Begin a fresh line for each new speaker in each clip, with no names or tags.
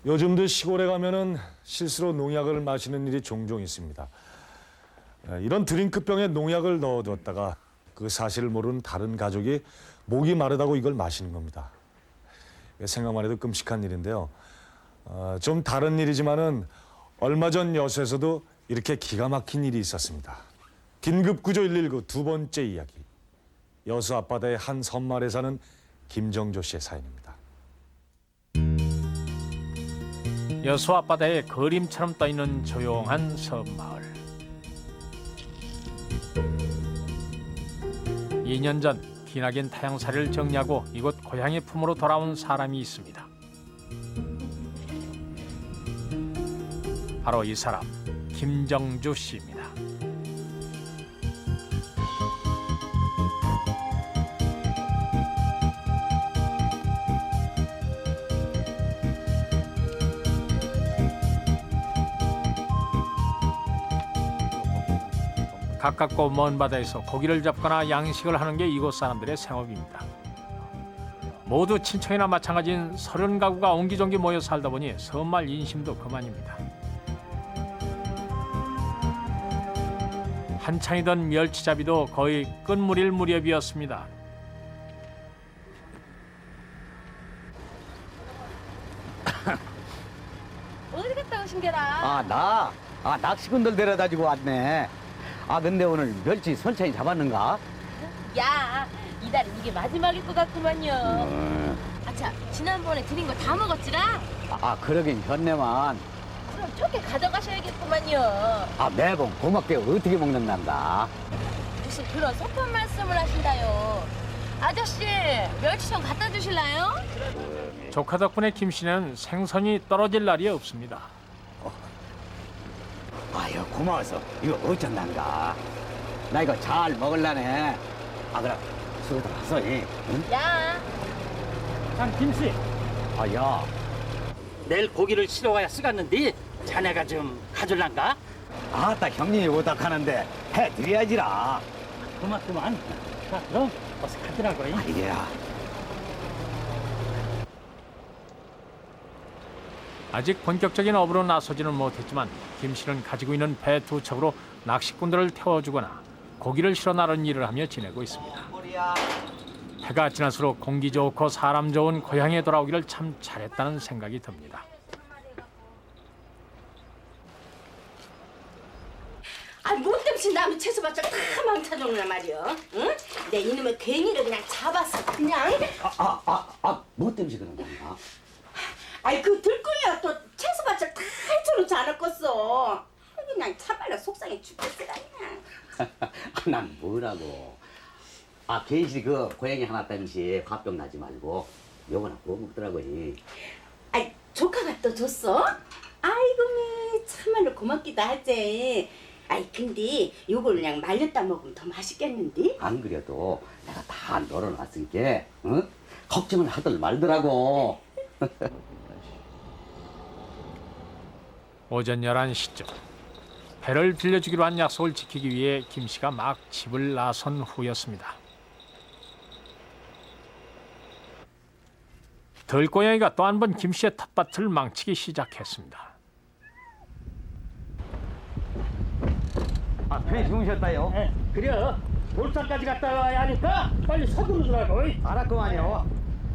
요즘도 시골에 가면은 실수로 농약을 마시는 일이 종종 있습니다. 이런 드링크병에 농약을 넣어뒀다가 그 사실을 모르는 다른 가족이 목이 마르다고 이걸 마시는 겁니다. 생각만 해도 끔찍한 일인데요. 좀 다른 일이지만은 얼마 전 여수에서도 이렇게 기가 막힌 일이 있었습니다. 긴급구조 119 두 번째 이야기. 여수 앞바다의 한 섬마을에 사는 김정조 씨의 사연입니다.
여수 앞바다에 그림처럼 떠있는 조용한 섬마을. 2년 전 기나긴 타양살이를 정리하고 이곳 고향의 품으로 돌아온 사람이 있습니다. 바로 이 사람, 김정주 씨입니다. 가깝고 먼 바다에서 고기를 잡거나 양식을 하는 게 이곳 사람들의 생업입니다. 모두 친척이나 마찬가지인 30가구가 옹기종기 모여 살다 보니 섬마을 인심도 그만입니다. 한창이던 멸치잡이도 거의 끝물일 무렵이었습니다.
어디 갔다 오신 게라?
나? 낚시꾼들 데려다 주고 왔네. 근데 오늘 멸치 선창이 잡았는가?
야, 이달은 이게 마지막일 것 같구만요. 아차, 지난번에 드린 거 다 먹었지라?
그러긴 현내만.
그럼 좋게 가져가셔야겠구만요.
매번 고맙게 어떻게 먹는단다.
무슨 그런 속편 말씀을 하신다요. 아저씨, 멸치 좀 갖다 주실래요?
조카 덕분에 김 씨는 생선이 떨어질 날이 없습니다.
아유, 고마워서 이거 어쩐단가. 나 이거 잘 먹을라네. 그럼 수고들 하소. 응?
야,
장 김씨,
야.
내일 고기를 실어 와야 쓰겠는데 자네가 좀 가줄란가?
딱 형님이 오닥하는데 해드려야지라.
고맙구만. 자, 그럼 어서 가더라고.
이야.
아직 본격적인 업으로 나서지는 못했지만 김 씨는 가지고 있는 배 2척으로 낚시꾼들을 태워주거나 고기를 실어 나르는 일을 하며 지내고 있습니다. 해가 지날수록 공기 좋고 사람 좋은 고향에 돌아오기를 참 잘했다는 생각이 듭니다.
못 땜신 남의 채소밭을 다 망쳐놓으란 말이야. 응? 내 이놈의 괜히를 그냥 잡았어, 그냥.
뭐 때문에 그런 건가?
그 들끓이야 또 채소밭을 다 해쳐놓지 않았겠어. 그냥 차발로 속상해 죽겠으라 그냥.
난 뭐라고. 괜시 그 고양이 하나 땜시 화병 나지 말고 요거나 구워 먹더라고.
조카가 또 줬어? 아이고 미 참말로 고맙기도 하지. 근데 요걸 그냥 말렸다 먹으면 더 맛있겠는데?
안 그래도 내가 다 널어놨으니까 응? 걱정을 하들 말더라고.
오전 11시쯤 배를 빌려주기로 한 약속을 지키기 위해 김 씨가 막 집을 나선 후였습니다. 들고양이가 또 한 번 김 씨의 텃밭을 망치기 시작했습니다.
편히 주무셨다요?
그래. 돌산까지 갔다 와야 하니까 빨리 서두르더라고.
알았구만요.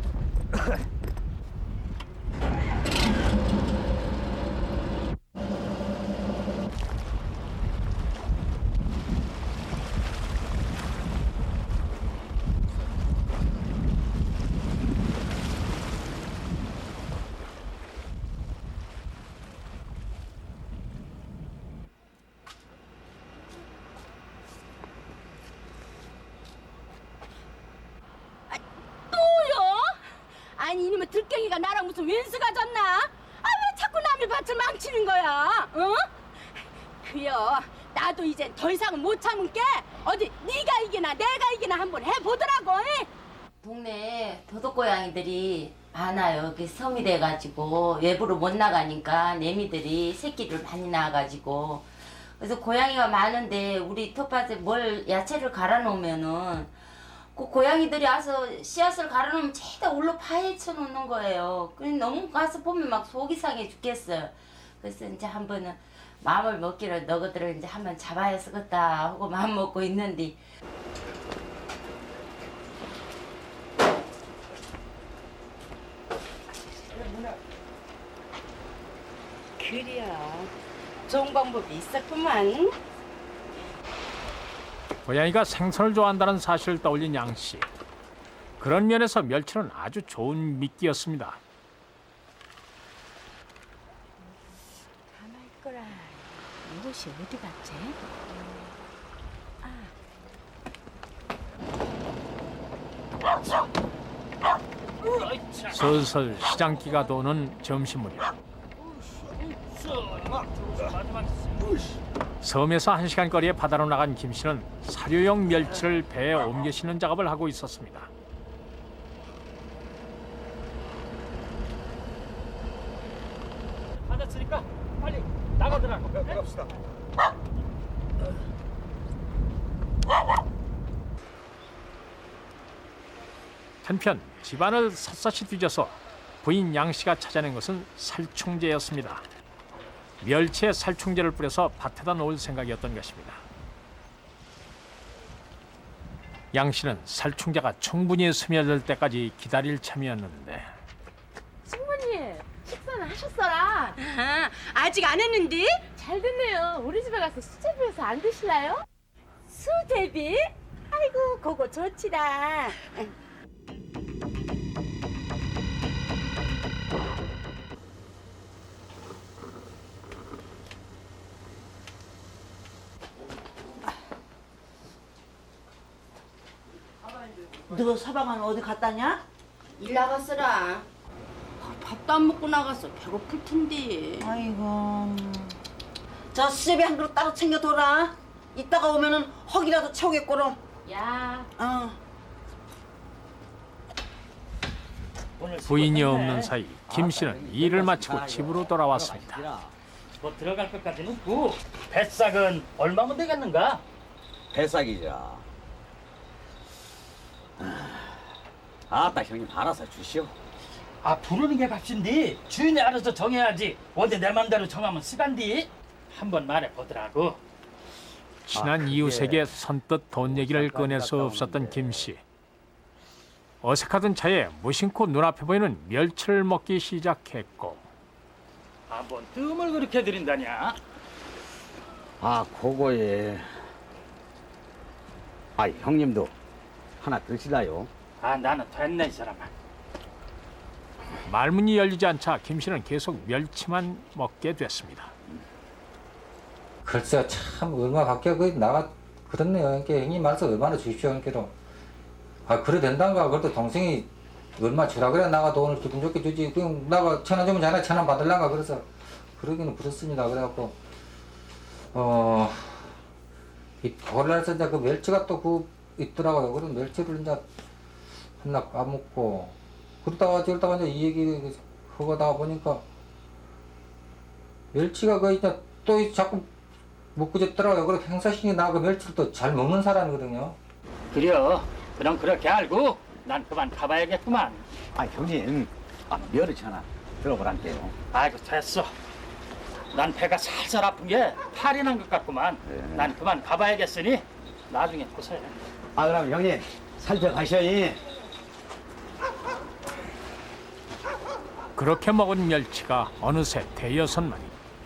아니 이놈의 들갱이가 나랑 무슨 왼수가 졌나? 왜 자꾸 남의 밭을 망치는 거야? 어? 그려 나도 이젠 더 이상은 못 참은 게 어디 네가 이기나 내가 이기나 한번 해보더라고.
동네에 도둑고양이들이 많아요. 여기 섬이 돼가지고 외부로 못 나가니까 내미들이 새끼를 많이 낳아가지고 그래서 고양이가 많은데 우리 텃밭에 뭘 야채를 갈아 놓으면은 그 고양이들이 와서 씨앗을 갈아놓으면 죄다 울로 파헤쳐 놓는 거예요. 그래 너무 가서 보면 막 속이 상해 죽겠어요. 그래서 이제 한 번은 마음을 먹기로 너희들을 이제 한번 잡아야 쓰겠다 하고 마음 먹고 있는데
그래요. 좋은 방법이 있었구만.
고양이가 생선을 좋아한다는 사실을 떠올린 양 씨. 그런 면에서 멸치는 아주 좋은 미끼였습니다.
가만 있거라. 이것이 어디 갔지?
슬슬 시장기가 도는 점심무렵. 섬에서 1시간 거리의 바다로 나간 김 씨는 사료용 멸치를 배에 옮겨 싣는 작업을 하고 있었습니다.
받았으니까 빨리 나가더라고.
갑시다.
한편 집안을 샅샅이 뒤져서 부인 양 씨가 찾아낸 것은 살충제였습니다. 멸치에 살충제를 뿌려서 밭에다 놓을 생각이었던 것입니다. 양 씨는 살충제가 충분히 스며들 때까지 기다릴 참이었는데
숙모님 식사는 하셨어라.
아직 안 했는데?
잘 됐네요. 우리 집에 가서 수제비에서 안 드실래요?
수제비? 아이고 그거 좋지다.
너 서방은 어디 갔다냐?
일 나갔어라. 밥도 안 먹고 나가서 배고플 텐데.
아이고. 저 수제비 한 그릇 따로 챙겨둬라. 이따가 오면은 허기라도 채우겠고로.
야.
부인이 없는 사이 김 씨는 일을 마치고 집으로 돌아왔습니다.
뭐 들어갈 것까지는 고 뱃삭은 얼마면 되겠는가?
배싹이자. 아따 형님 알아서 주시오.
아 부르는 게 값인데 주인이 알아서 정해야지. 어디 내 맘대로 정하면 쓰간디. 한번 말해보더라고.
친한 이웃에게 선뜻 돈 얘기를 꺼낼 수 없었던 김 씨. 어색하던 차에 무심코 눈앞에 보이는 멸치를 먹기 시작했고
한번 뜸을 그렇게 들인다냐?
아 그거에. 아 형님도 하나 드실라요?
아 나는 됐네 이 사람아.
말문이 열리지 않자 김 씨는 계속 멸치만 먹게 됐습니다.
글쎄요, 참 얼마 밖에 그 나가 그렇네요. 그러니까 형님 말씀 얼마나 주십시오. 그러니까 아 그래 된단가. 그래도 동생이 얼마 주라 그래 나가 돈을 기분 좋게 주지. 그냥 나가 1,000원 주면 자네 1,000원 받을란가. 그래서 그러기는 그렇습니다. 그래갖고 이 오늘날서 이제 그 멸치가 또 그 있더라고요. 그런 멸치를 이제 하나 까먹고 그러다가 저러다가 이제 이 얘기 하다 보니까 멸치가 그 이제 또 자꾸 먹고 싶더라고요. 그래서 행사신이 나 그 멸치를 또 잘 먹는 사람이거든요.
그래요. 그럼 그렇게 알고 난 그만 가봐야겠구만.
아 형님 멸치 하나 들어보란게요.
아이고 됐어. 난 배가 살살 아픈 게 탈이 난 것 같구만. 난 그만 가봐야겠으니 나중에 보세요.
아 그럼 형님 살펴가셔이.
그렇게 먹은 멸치가 어느새 대여섯 마리.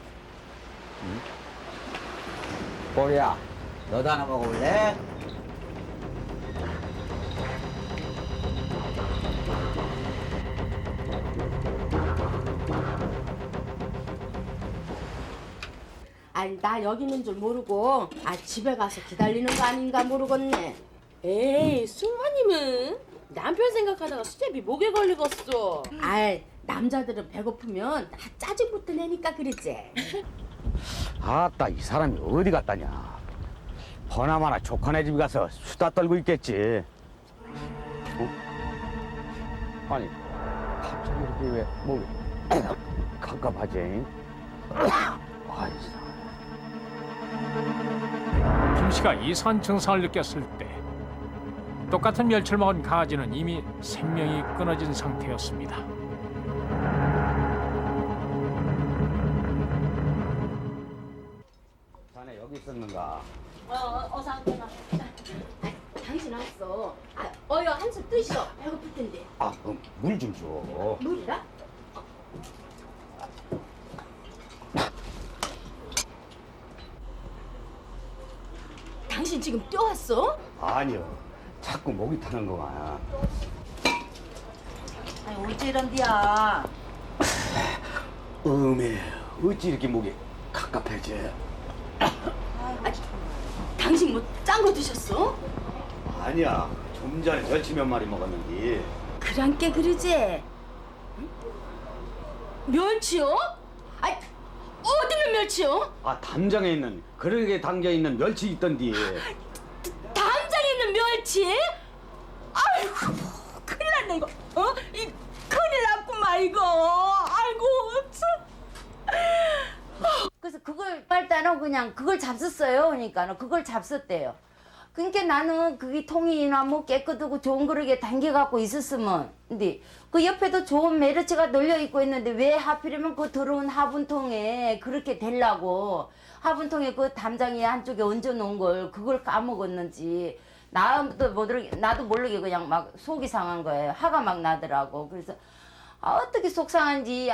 보리야 너도 하나 먹어볼래?
아니 나 여기 있는 줄 모르고 집에 가서 기다리는 거 아닌가 모르겠네.
에이, 숙모님은 남편 생각하다가 수제비 목에 걸리겠어.
아이 남자들은 배고프면 다 짜증부터 내니까 그러지.
아따 이 사람이 어디 갔다냐. 버나마나 조카네 집 가서 수다 떨고 있겠지. 아니 갑자기 이렇게 왜 목이 갑갑하지? 아이 사람.
김 씨가 이상한 증상을 느꼈을 때 똑같은 멸치를 먹은 강아지는 이미 생명이 끊어진 상태였습니다.
자네 여기 있었는가?
어서 앉거나. 당신 왔어. 어여 한숨 뜨시오. 배고플 텐데.
아, 그럼 물 좀 줘.
물이라? 당신 지금 뛰어왔어?
아니요. 자꾸 목이 타는 거야.
아니 어째 이런디야.
어찌 이렇게 목이 갑갑해져?
당신 뭐 짠 거 드셨어?
아니야. 좀 전에 멸치 몇 마리 먹었는데.
그랑께 그러지? 응? 멸치요? 아이, 어디는 멸치요?
아, 담장에 있는 그릇에 담겨 있는 멸치 있던디.
담장에 있는 멸치? 아이고, 큰일 났네 이거. 이 큰일 났구만 이거. 아이고 참.
그래서 그걸 빨다는 그냥 그걸 잡섰어요. 그러니까 그걸 잡섰대요. 그러니까 나는 그게 통이나 뭐 깨끗하고 좋은 그릇에 담겨갖고 있었으면, 근데 그 옆에도 좋은 메르치가 널려 있고 있는데 왜 하필이면 그 더러운 화분통에 그렇게 되려고 화분통에 그 담장이 한쪽에 얹어 놓은 걸 그걸 까먹었는지 나도 모르게 그냥 막 속이 상한 거예요. 화가 막 나더라고. 그래서 어떻게 속상한지.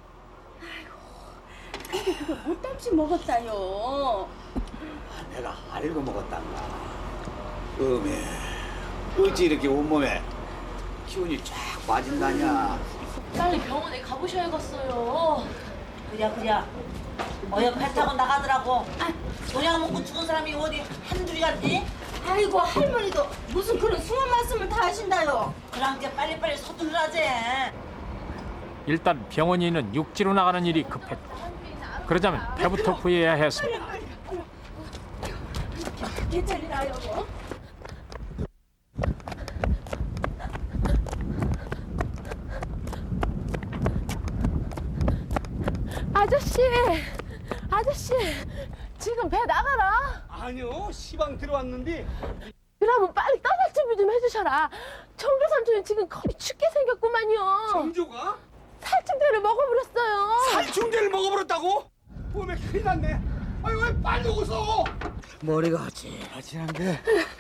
근데 그걸 못 담시 먹었다요.
내가 알고 먹었단가. 어찌 이렇게 온몸에 기운이 쫙 빠진다냐.
빨리 병원에 가보셔야겠어요.
그래. 어여 배 타고 나가더라고. 노냥 먹고 죽은 사람이 어디 한둘이 갔니?
아이고 할머니도 무슨 그런 숭한 말씀을 다 하신다요.
그랑께 빨리빨리 서두르라지.
일단 병원에 있는 육지로 나가는 일이 급했고, 그러자면 배부터 구해야 했습니다.
괜찮으나요?
아저씨, 지금 배 나가라.
아니요, 시방 들어왔는데.
그러면 빨리 떠날 준비 좀 해주셔라. 청조 삼촌이 지금 겁이 죽게 생겼구만요.
정조가
살충제를 먹어버렸어요.
살충제를 먹어버렸다고? 몸에 큰일 났네. 아유, 왜 빨리 오소? 머리가 아찔아찔한데.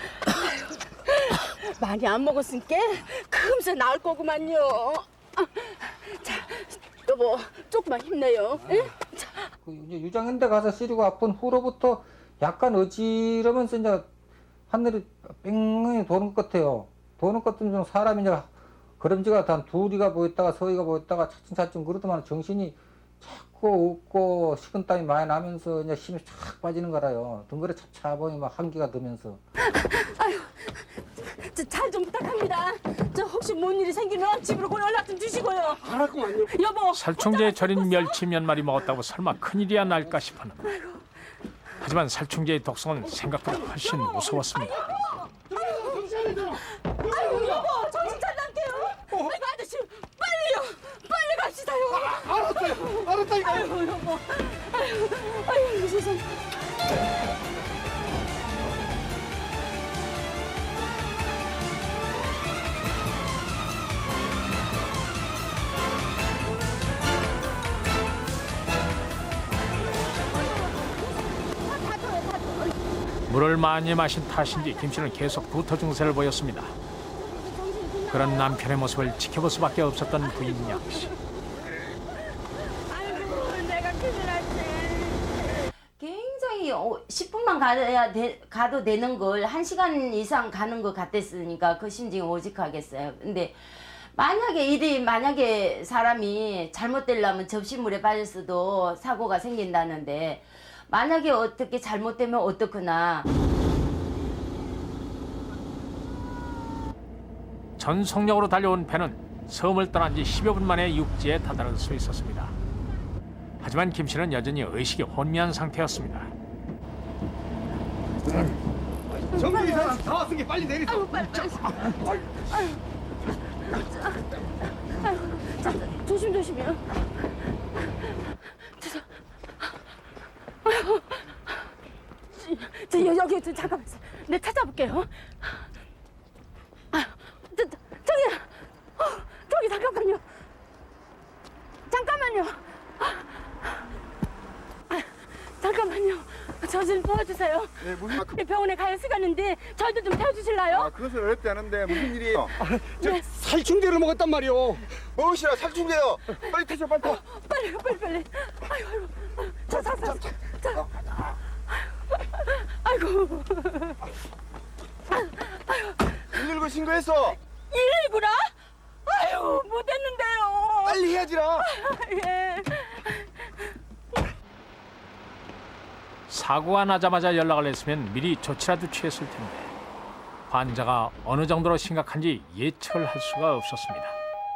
많이 안 먹었으니까 금세 나을 거구만요. 자, 여보 조금만 힘내요. 응? 자,
그 이제 유장현대 가서 시리고 아픈 후로부터 약간 어지러면서 이제 하늘이 뺑뺑이 도는 것 같아요. 도는 것 같으면 사람이 이제 걸음지가 한 둘이가 보였다가 서희가 보였다가 차츰차츰 그러더만 정신이 자꾸 없고 식은땀이 많이 나면서 이제 힘이 쫙 빠지는 거라요. 등골에 차차보니 막 한기가 들면서.
아유, 잘 좀 부탁합니다. 저 혹시 뭔 일이 생기면 집으로 곧 연락 좀 주시고요.
알았구만요.
여보.
살충제에 절인 멸치 몇 마리 먹었다고 설마 큰일이야 날까 싶었는데, 하지만 살충제의 독성은 생각보다 훨씬 무서웠습니다.
아유 여보 정신 차릴게요. 아이고 아저씨 빨리 갑시다요.
알았다니까.
아이고 여보. 아유 세상.
물을 많이 마신 탓인지 김 씨는 계속 구토 증세를 보였습니다. 그런 남편의 모습을 지켜볼 수밖에 없었던 부인 양 씨.
아이고 내가 큰일 났네.
굉장히 10분만 가도 되는 걸 1시간 이상 가는 것 같았으니까 그 심정이 오직하겠어요. 근데 만약에 사람이 잘못되려면 접시물에 빠졌어도 사고가 생긴다는데, 만약에 어떻게 잘못되면 어떡하나.
전속력으로 달려온 배는 섬을 떠난 지 10여 분 만에 육지에 다다를 수 있었습니다. 하지만 김 씨는 여전히 의식이 혼미한 상태였습니다.
정조 이사람 다 왔으니 빨리 내리소.
조심조심해요. 저 여기 잠깐만 내 찾아볼게요. 잠깐만요. 잠깐만요. 저 좀 도와주세요.
네, 무슨
병원에 갈 시간인데 저희도 좀 태워주실래요?
그것은 어렵지 않은데 무슨 일이에요? 저 살충제를 먹었단 말이오. 무엇이라 살충제요? 빨리 타셔, 빨리 타.
빨리. 아이고. 자. 아이고.
119 신고했어.
119라? 아유, 못했는데요.
빨리 해야지라.
예.
사고가 나자마자 연락을 했으면 미리 조치라도 취했을 텐데 환자가 어느 정도로 심각한지 예측할 수가 없었습니다.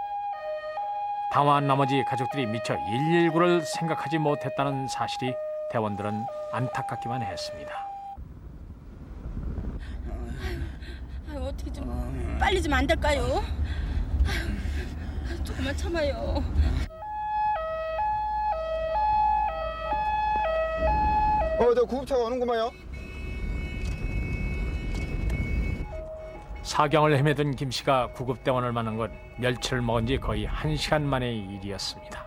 당황한 나머지 가족들이 미처 119를 생각하지 못했다는 사실이 대원들은 안타깝기만 했습니다.
아유, 어떻게 좀 빨리 좀 안 될까요? 아유, 조금만 참아요.
저 구급차가 오는구만요.
사경을 헤매던 김 씨가 구급대원을 만난 건 멸치를 먹은 지 거의 1시간 만의 일이었습니다.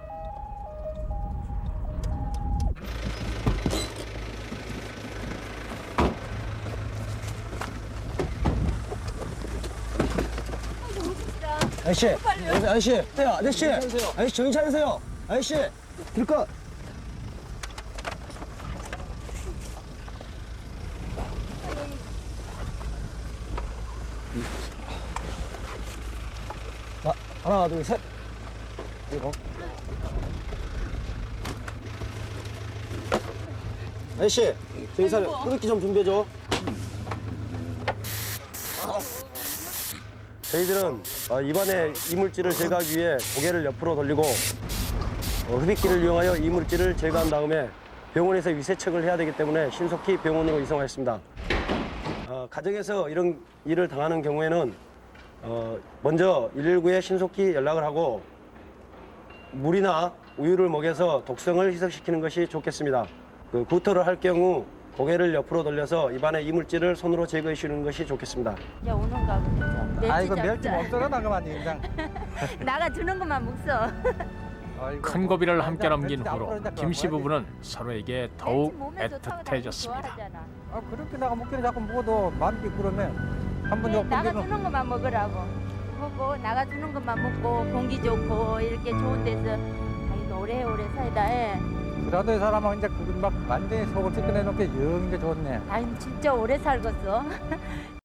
아저씨, 아저씨, 정신 차리세요. 아저씨, 들까? 하나, 둘, 셋. 이거. 아저씨, 정신 차려. 흡입기 좀 준비해줘.
저희들은 입안의 이물질을 제거하기 위해 고개를 옆으로 돌리고 흡입기를 이용하여 이물질을 제거한 다음에 병원에서 위세척을 해야 되기 때문에 신속히 병원으로 이송하였습니다. 가정에서 이런 일을 당하는 경우에는 먼저 119에 신속히 연락을 하고 물이나 우유를 먹여서 독성을 희석시키는 것이 좋겠습니다. 구토를 할 경우 고개를 옆으로 돌려서 입안의 이물질을 손으로 제거해 주는 것이 좋겠습니다.
이제 오는가 보자.
아이고 멸치 먹더라 나가만 인상.
나가주는 것만 묵서.
큰 고비를 함께 넘긴 후로 김 씨 부부는 서로에게 더욱 애틋해졌습니다.
그렇게 나가 먹기는 자꾸 먹어도 마음이 그러면 한번 더
나가주는 것만 먹으라고. 먹고 나가주는 것만 먹고 공기 좋고 이렇게 좋은 데서 아이고 오래오래 살다 해.
그라도의 사람은 이제 그막 완전히 속을 찢겨내놓게 영 이제 좋네.
아니 진짜 오래 살겠어.